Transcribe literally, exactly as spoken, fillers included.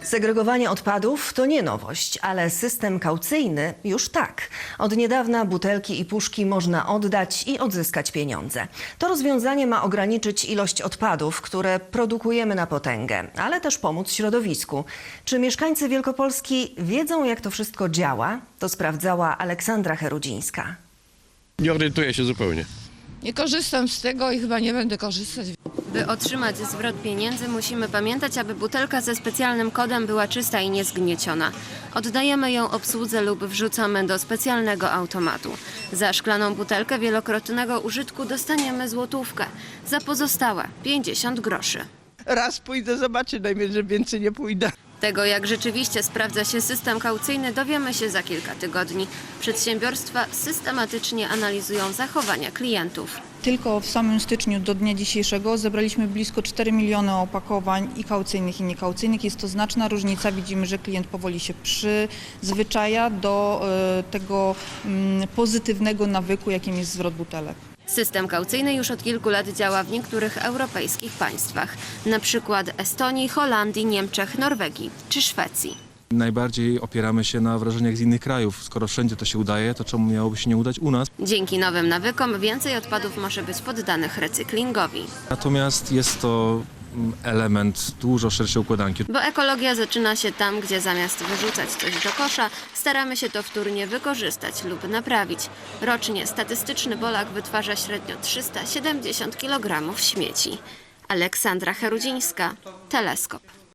Segregowanie odpadów to nie nowość, ale system kaucyjny już tak. Od niedawna butelki i puszki można oddać i odzyskać pieniądze. To rozwiązanie ma ograniczyć ilość odpadów, które produkujemy na potęgę, ale też pomóc środowisku. Czy mieszkańcy Wielkopolski wiedzą, jak to wszystko działa? To sprawdzała Aleksandra Herudzińska. Nie orientuję się zupełnie. Nie korzystam z tego i chyba nie będę korzystać. By otrzymać zwrot pieniędzy, musimy pamiętać, aby butelka ze specjalnym kodem była czysta i niezgnieciona. Oddajemy ją obsłudze lub wrzucamy do specjalnego automatu. Za szklaną butelkę wielokrotnego użytku dostaniemy złotówkę, za pozostałe pięćdziesiąt groszy. Raz pójdę, zobaczę, najmniej, że więcej nie pójdę. Tego, jak rzeczywiście sprawdza się system kaucyjny, dowiemy się za kilka tygodni. Przedsiębiorstwa systematycznie analizują zachowania klientów. Tylko w samym styczniu do dnia dzisiejszego zebraliśmy blisko cztery miliony opakowań i kaucyjnych, i niekaucyjnych. Jest to znaczna różnica. Widzimy, że klient powoli się przyzwyczaja do y, tego y, pozytywnego nawyku, jakim jest zwrot butelek. System kaucyjny już od kilku lat działa w niektórych europejskich państwach, na przykład Estonii, Holandii, Niemczech, Norwegii czy Szwecji. Najbardziej opieramy się na wrażeniach z innych krajów. Skoro wszędzie to się udaje, to czemu miałoby się nie udać u nas? Dzięki nowym nawykom więcej odpadów może być poddanych recyklingowi. Natomiast jest to element dużo szerszej układanki. Bo ekologia zaczyna się tam, gdzie zamiast wyrzucać coś do kosza, staramy się to wtórnie wykorzystać lub naprawić. Rocznie statystyczny Polak wytwarza średnio trzysta siedemdziesiąt kilogramów śmieci. Aleksandra Herudzińska, Teleskop.